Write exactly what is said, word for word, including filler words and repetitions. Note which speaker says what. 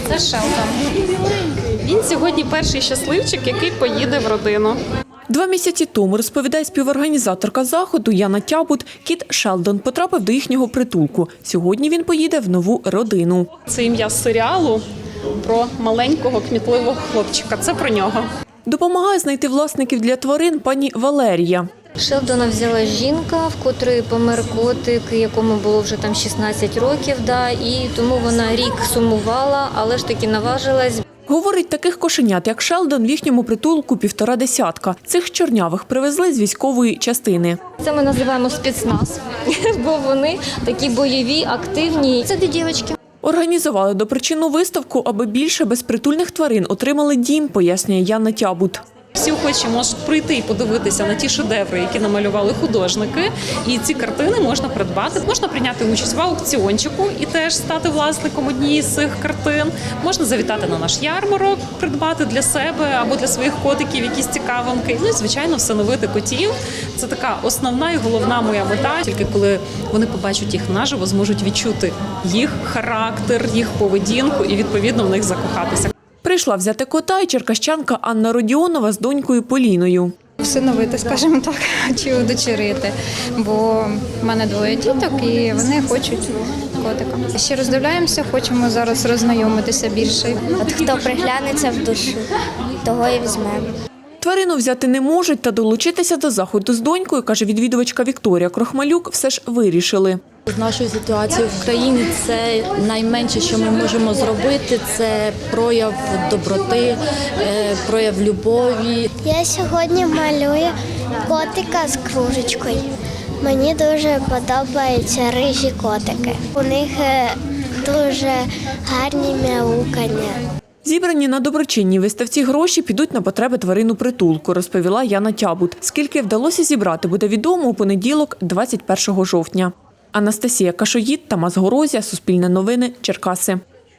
Speaker 1: Це Шелдон. Він сьогодні перший щасливчик, який поїде в родину.
Speaker 2: Два місяці тому, розповідає співорганізаторка заходу Яна Тябут, кіт Шелдон потрапив до їхнього притулку. Сьогодні він поїде в нову родину.
Speaker 1: Це ім'я з серіалу про маленького кмітливого хлопчика. Це про нього.
Speaker 2: Допомагає знайти власників для тварин пані Валерія.
Speaker 3: Шелдона взяла жінка, в котрої помер котик, якому було вже там шістнадцять років, да, і тому вона рік сумувала, але ж таки наважилась.
Speaker 2: Говорить, таких кошенят, як Шелдон, в їхньому притулку півтора десятка. Цих чорнявих привезли з військової частини.
Speaker 3: Це ми називаємо спецназ, бо вони такі бойові, активні. Це дві дівчатки.
Speaker 2: Організували допричинну виставку, аби більше безпритульних тварин отримали дім, пояснює Яна Тябут.
Speaker 1: Всі охочі можуть прийти і подивитися на ті шедеври, які намалювали художники. І ці картини можна придбати. Можна прийняти участь в аукціончику і теж стати власником однієї з цих картин. Можна завітати на наш ярмарок, придбати для себе або для своїх котиків якісь цікавинки. Ну і, звичайно, всиновити котів. Це така основна і головна моя мета. Тільки коли вони побачать їх наживо, зможуть відчути їх характер, їх поведінку і, відповідно, в них закохатися.
Speaker 2: Прийшла взяти кота і черкащанка Анна Родіонова з донькою Поліною.
Speaker 4: Всиновити, скажімо так, чи удочерити, бо в мене двоє діток і вони хочуть котика. Ще роздивляємося, хочемо зараз роззнайомитися більше.
Speaker 5: От хто приглянеться в душу, того і візьмемо.
Speaker 2: Тварину взяти не можуть, та долучитися до заходу з донькою, каже відвідувачка Вікторія Крохмалюк, все ж вирішили.
Speaker 6: З нашою ситуацією в країні це найменше, що ми можемо зробити, це прояв доброти, прояв любові.
Speaker 5: Я сьогодні малюю котика з кружечкою. Мені дуже подобаються рижі котики. У них дуже гарні мяукання.
Speaker 2: Зібрані на доброчинній виставці гроші підуть на потреби тварин у притулку, розповіла Яна Тябут. Скільки вдалося зібрати, буде відомо у понеділок, двадцять першого жовтня. Анастасія Кашоїд, Тамас Горозія, Суспільне новини, Черкаси.